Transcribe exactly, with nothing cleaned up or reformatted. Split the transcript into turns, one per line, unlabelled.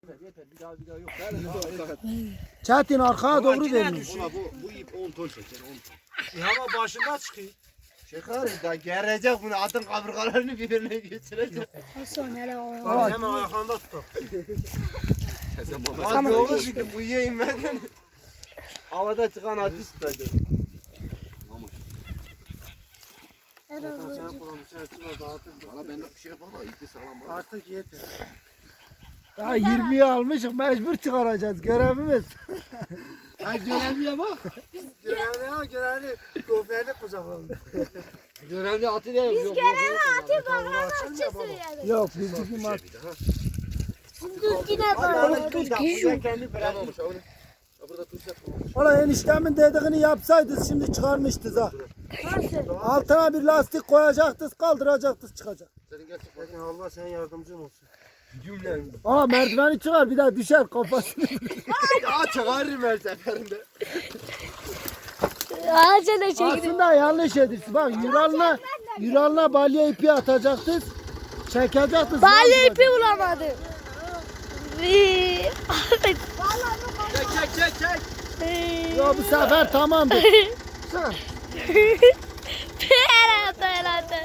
Yeter bir daha bir daha yok.
Çetin arkaya doğru dönüyor.
Bu, bu ip on ton çeker on ton.
Ya ama başında çıkıyor.
Çeker da gerecek bunu atın kaburgalarını birbirine geçirecek.
Bak hemen ayaklarında tutar.
Tamam. Doğru çünkü bu yiyeyim ben. Havada çıkan atı tutacak. Valla ben de bir şey yapamam. İpi salam var.
Artık yeter.
Ya yirmiyi almışız mecbur çıkaracağız görevimiz.
Ha görevliye bak.
Görevli ha görevli. Goferli kucakladı.
Görevli atı değil.
Biz görevli atı bakarmak için
Yok bizimki mat.
Dur yine böyle.
Kendi bırakmamış. Burada tuş yapmamış.
Ola eniştemin dediğini yapsaydınız şimdi çıkarmıştınız ha.
Nasıl?
Altına bir lastik koyacaktınız kaldıracaktınız çıkacak.
Senin gerçek
Bakın Allah senin yardımcın olsun.
cümlen.
Aa merdiveni çıkar bir daha düşer kafasını.
Ya çıkarırım her seferinde.
Acele çekti.
Aslında yanlış edilsin. Bak Yural'la Yural'la balya ipi atacaktınız. Çekecektiniz.
Balya ipi bulamadım.
Çek çek çek çek.
Yo bu sefer tamamdır.
Perata perata.